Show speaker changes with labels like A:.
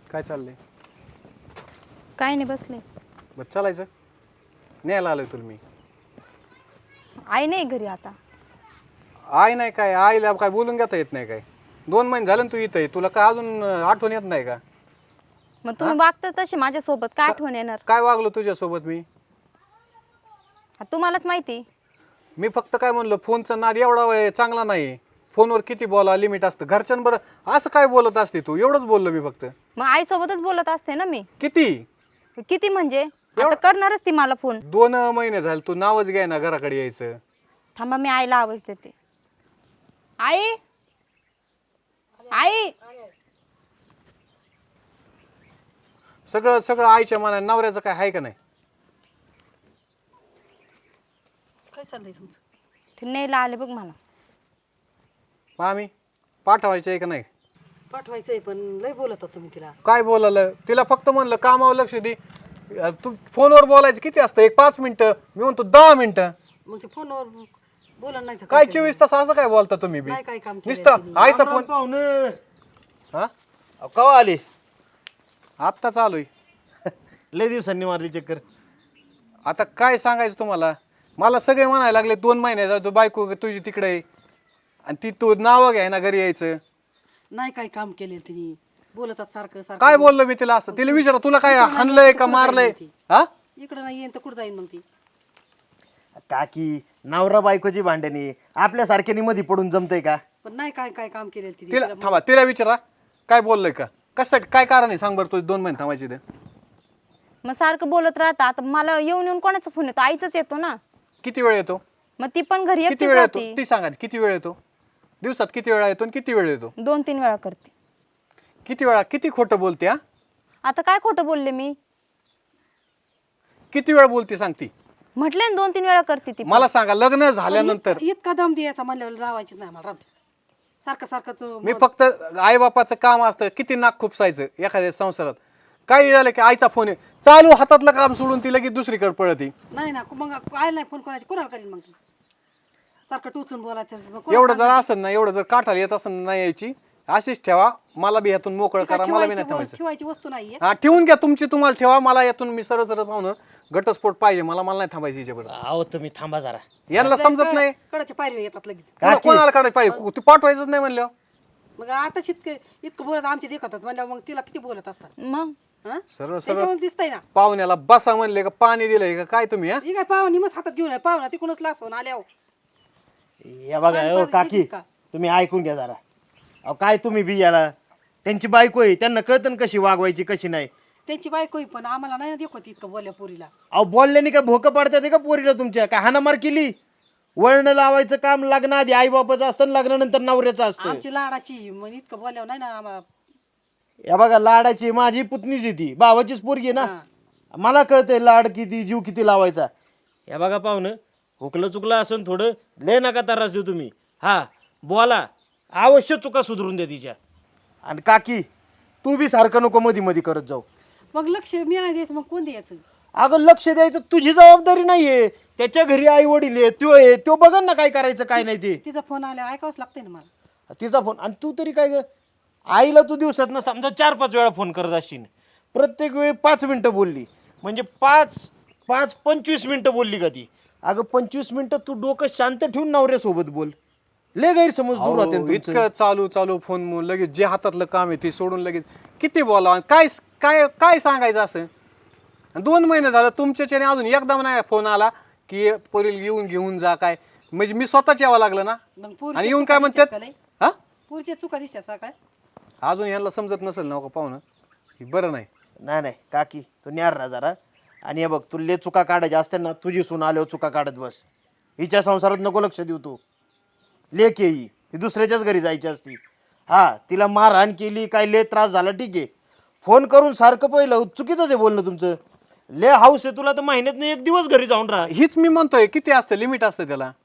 A: काय चाललंय?
B: काय नाही बसले.
A: बस चालायचं. न्यायला आलोय तुला मी.
B: आई नाही घरी आता.
A: आई नाही काय? आईला काय बोलून घेता येत नाही काय? 2 महिने झाले ना तू इथं आहे. तुला काय अजून आठवण येत नाही का?
B: मग तुम्ही वागता तसे माझ्यासोबत काय आठवण येणार?
A: काय वागलो तुझ्यासोबत मी?
B: तुम्हालाच माहिती.
A: मी फक्त काय म्हणलं, फोनचा नाद एवढा चांगला नाही. फोनवर किती बोला लिमिट असतं. घरच्यांबरोबर असं काय बोलत असते तू? एवढंच बोललो मी फक्त.
B: मग आई सोबतच बोलत असते ना मी.
A: किती?
B: किती म्हणजे आता करणारच ती मला फोन.
A: 2 महिने झाले तू नावच घ्याय ना घराकडे यायचं.
B: थांबा मी आईला आवाज देते. आई आई
A: सगळं सगळं आईच्या मनाने. नवऱ्याचं काय आहे का नाही?
C: काय चाललंय तुमचं?
B: ते न्यायला आले बघ मला.
A: आम्ही पाठवायचं आहे का नाही?
C: पाठवायचंय पण लय बोलत होतो तुम्ही तिला.
A: काय बोलायला? तिला फक्त म्हणलं कामावर लक्ष दे. तू फोनवर बोलायचं किती असतं? 5 मिनिटं. मी म्हणतो 10 मिनिटं.
C: मग ते फोनवर बोला नाही तर
A: काय 24 तास असं काय बोलता तुम्ही बी?
C: नाही काय काम केलंय
A: नुसतं
C: तिने.
A: आईचा फोन.
D: पाहुणे
A: हा
D: कवा आले?
A: आत्ता चालू आहे.
D: लय दिवसांनी मारली चक्कर.
A: आता काय सांगायचं तुम्हाला? मला सगळे म्हणायला लागले 2 महिन्याचा तू बायको तुझी तिकडे आहे आणि ती तू नावं घ्याय ना घरी यायचं.
C: नाही काय काम केले तिने. बोलतात सारखं सारखं.
A: काय बोललो मी तिला असं? तिला विचारा तुला काय हाणलंय का मारलंय? हा
C: इकडं नाही येईन तर कुठं जाईन मग ती?
D: काकी नवरा बायकोची भांडणी आपल्या सारख्यानी मध्ये पडून जमतय का?
C: पण नाही काय काय काम केले तिने.
A: तिला थांबा, तिला विचारा काय बोललोय का? कशासाठी? काय कारण आहे सांग बरं. तू 2 महिने थांबायची ते.
B: मग सारखं बोलत राहता. आता मला येऊन येऊन कोणाचा फोन येतो? आईचाच येतो ना.
A: किती वेळ येतो?
B: मग ती पण घरी
A: किती
B: एकटीच
A: वेळ येतो
B: राहते.
A: ती सांगा. किती वेळ येतो दिवसात? किती वेळा येतो आणि किती वेळ येतो?
B: 2-3 वेळा करते.
A: किती वेळा? किती खोटं बोलते? हा
B: आता काय खोटं बोलले मी?
A: किती वेळ बोलते सांगती?
B: म्हटले ना 2-3 वेळा करते ती.
A: मला सांगा. लग्न झाल्यानंतर
C: इतका दम द्यायचा म्हणल्यावर रावायचीच नाही मला. राम सारखं सारखं
A: मी फक्त आई बापाचं काम असतं किती नाक खुपसायचं एखाद्या संसारात. काही झालं की आईचा फोन आहे चालू, हातातलं काम सोडून ती लगेच दुसरीकडे पळती.
C: नाही ना. मग आयला नाही फोन करायची कोणाला करीन मग ती? सारखं टोचून बोलायचं. मग कोणाला
A: एवढं जर असं ना, एवढं जर काठाला येत असं नाही यायची, अशीच ठेवा. मला बी यातून मोकळं
C: ती काय
A: करा. मला बी नाही
C: ठेवायची
A: ठेवायचं.
C: ठेवायची वस्तू नाहीये.
A: हा ठेवून घ्या तुमची तुम्हाला ठेवा. मला यातून मी सरळ सरळ पाहून घटस्फोट पाहिजे. मला नाही थांबायची याच्याबरोबर.
D: अहो तुम्ही थांबा जरा.
A: यांना समजत नाही.
C: कडाच्या पायरी येतात लगेच.
A: कोणाला काढायला पाहिजे? तू पाठवायचंच नाही म्हणलं.
C: मग आता इतकं बोलत आमचे देखतात म्हणल्यावर मग तिला किती बोलत असतात?
B: मग
C: हा?
A: सरळ सरळ
C: त्याच्यावर दिसतंय ना.
A: पाहुण्याला बसा म्हणले का पाणी दिलंय का काय तुम्ही? हा
C: ही काय पाहुणी मग हातात घेऊन पाहुणा तिकडूनच लासून आल्यावर.
D: या बघा
C: पाणी
D: हो
C: पाजायची
D: काकी
C: का?
D: तुम्ही ऐकून घ्या जरा. अहो काय तुम्ही बी याला त्यांची बायको आहे, त्यांना कळतं ना कशी वागवायची कशी नाही.
C: त्यांची बायको पण आम्हाला नाही ना देखत इतकं बोलल्या पोरीला.
D: अहो बोलल्याने काय भोकं पाडतात का पोरीला तुमच्या? काय हाणामार केली? वळण लावायचं काम लग्नाआधी आई बापाचं असतं, लग्नानंतर नवऱ्याचं असतं.
C: आमची लाडाची मग इतकं बोलल्यावर नाही ना आम्हाला.
D: या बघा लाडाची माझी पुतणीच आहे ती, भावाचीच पोरगी आहे ना. मला कळतंय लाड किती जीव किती लावायचा. या बघा पाहुणं हुकलं चुकलं असं थोडं लय नका त्रास देऊ तुम्ही. हा बोला अवश्य चुका सुधरून द्या तिच्या. आणि काकी तू बी सारखं नको मध्ये मध्ये करत जाऊ.
C: मग लक्ष मी नाही द्यायचं मग कोण द्यायचं?
D: अगं लक्ष द्यायचं तुझी जबाबदारी नाहीये. त्याच्या घरी आई वडील आहे, तो बघन ना काय करायचं काय नाही ते.
C: तिचा फोन आल्यावर ऐकावंच लागतंय ना मला.
D: तिचा फोन. आणि तू तरी काय ग आईला तू दिवसात ना समजा 4-5 वेळा फोन करत असशील. प्रत्येक वेळी 5 मिनिटं बोलली म्हणजे 5-25 मिनिटं बोलली का ती? अगं 25 मिनिटं तू डोकं शांत ठेवून नवऱ्यासोबत बोल. लय गैरसमज दूर होते
A: अहो, इतकं चालू फोन लगेच जे हातातलं काम आहे ते सोडून लगेच किती बोलावं? काय काय काय सांगायचं असं? 2 महिने झालं तुमच्याच्याने अजून एकदम नाही फोन आला की पोरील येऊन घेऊन जा काय. म्हणजे मी स्वतःच यावं लागलं ना.
C: मग
A: आणि येऊन काय म्हणतात? हा
C: पुरीच्या चुका दिसत्या काय?
A: अजून यांना समजत नसेल ना का पाहुणं हे बरं नाही.
D: नाही काकी तू न्यार ना जरा. आणि हे बघ तू लय चुका काढायच्या असते ना, तुझी सून आल्यावर चुका काढत बस. हिच्या संसारात नको लक्ष देऊ तू. लेक येई ही दुसऱ्याच्याच घरी जायची असती. हा तिला मारहाण केली काय लय त्रास झाला ठीक आहे. फोन करून सारखं पहिलं चुकीचं आहे बोलणं तुमचं. लय हाऊस आहे तुला तर महिन्यात 1 दिवस घरी जाऊन राहा.
A: हीच मी म्हणतोय किती असतं लिमिट असतं त्याला.